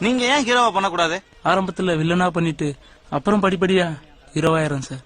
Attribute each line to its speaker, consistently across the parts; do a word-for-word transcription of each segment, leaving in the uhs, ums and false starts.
Speaker 1: நீங்க ஏன் ஹீரோவா பண்ணக்கூடாது?
Speaker 2: ஆரம்பத்துல வில்லனா பண்ணிட்டு அப்புறம் படிப்படியா ஹீரோவாயிரம் சார்.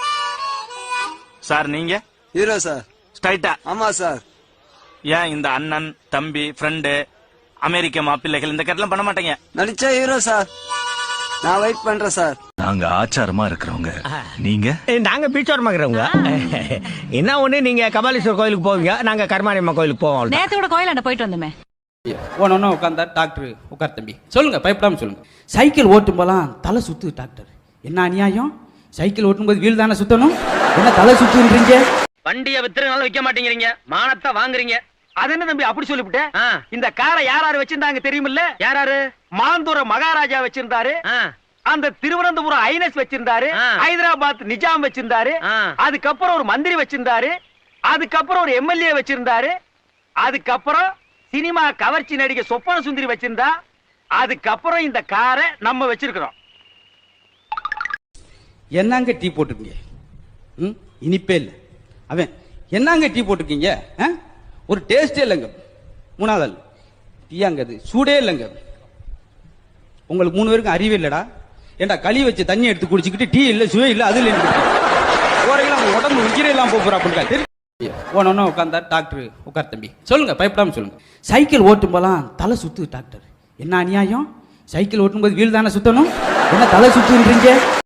Speaker 1: சார் நீங்க
Speaker 3: ஹீரோ சார்.
Speaker 1: ஸ்ட்ரைட்டா?
Speaker 3: ஆமா சார்.
Speaker 1: ஏன் இந்த அண்ணன் தம்பி ஃப்ரெண்டு அமெரிக்க மாப்பிள்ளைகள் இந்த கட்டெல்லாம் பண்ண மாட்டீங்க?
Speaker 3: நடிச்சா ஹீரோ சார். நான் வெயிட் பண்றேன் சார்.
Speaker 4: நாங்க ஆச்சாரமா இருக்கிறவங்க, நீங்க?
Speaker 5: நாங்க பீச்சோரமா இருக்கிறவங்க. என்ன ஒண்ணு, நீங்க கபாலீஸ்வரர் கோயிலுக்கு போவீங்க, நாங்க கருமாரியம்மா கோயிலுக்கு போவோம்.
Speaker 6: நேத்து கூட கோயிலாண்ட போயிட்டு வந்தோமே.
Speaker 7: ஒன்னு உட்காந்தா டாக்டர் உட்கார் தம்பி சொல்லுங்க, பயப்படாம சொல்லுங்க. சைக்கிள் ஓட்டும் போலாம் தலை சுத்து டாக்டர். என்ன அநியாயம்? சைக்கிள் ஓட்டும் போது வீல் தானே சுத்தணும், என்ன தலை சுத்துன்றீங்க?
Speaker 8: வண்டியை வித்துறதுனால விற்க மாட்டேங்கிறீங்க, மானத்தை வாங்குறீங்க. அது என்ன தம்பி அப்படி சொல்லிவிட்டேன்? இந்த காரை யாராரு வச்சிருந்தாங்க தெரியுமில்ல? யாராரு? மாந்தூர மகாராஜா வச்சிருந்தாரு, அந்த திருவனந்தபுரம் ஐனஸ் வச்சிருந்தாரு, ஹைதராபாத் நிஜாம் வச்சிருந்தாரு, அதுக்கப்புறம் ஒரு மந்திரி வச்சிருந்தாரு, அதுக்கப்புறம் ஒரு எம்எல்ஏ வச்சிருந்தாரு, அதுக்கப்புறம் சினிமா கவர்ச்சி நடிகை சொப்பன சுந்தரி வச்சிருந்தா, அதுக்கப்புறம் இந்த காரை நம்ம வச்சிருக்கிறோம்.
Speaker 7: என்னங்க டீ போட்டிருக்கீங்க? இனிப்பே இல்லை. அவன் என்னங்க டீ போட்டிருக்கீங்க? ஒரு டேஸ்டே இல்லைங்க. மூணாவது டீயாங்க, அது சூடே இல்லைங்க. உங்களுக்கு மூணு பேருக்கும் அறிவே இல்லடா. ஏண்டா களி வச்சு தண்ணி எடுத்து குடிச்சுக்கிட்டு டீ இல்லை சுவே இல்லை அது இல்லை போறீங்களா? உடம்பு உயிரெல்லாம் போறா அப்படின்ட்டு ஒன்னு உட்காந்தா டாக்டர் உட்கார் தம்பி சொல்லுங்க, பயப்படாம சொல்லுங்க. சைக்கிள் ஓட்டும் போலாம் தலை சுத்து டாக்டர். என்ன அநியாயம்? சைக்கிள் ஓட்டும் போது வீல் தானே சுத்தணும், என்ன தலை சுத்துன்றீங்க?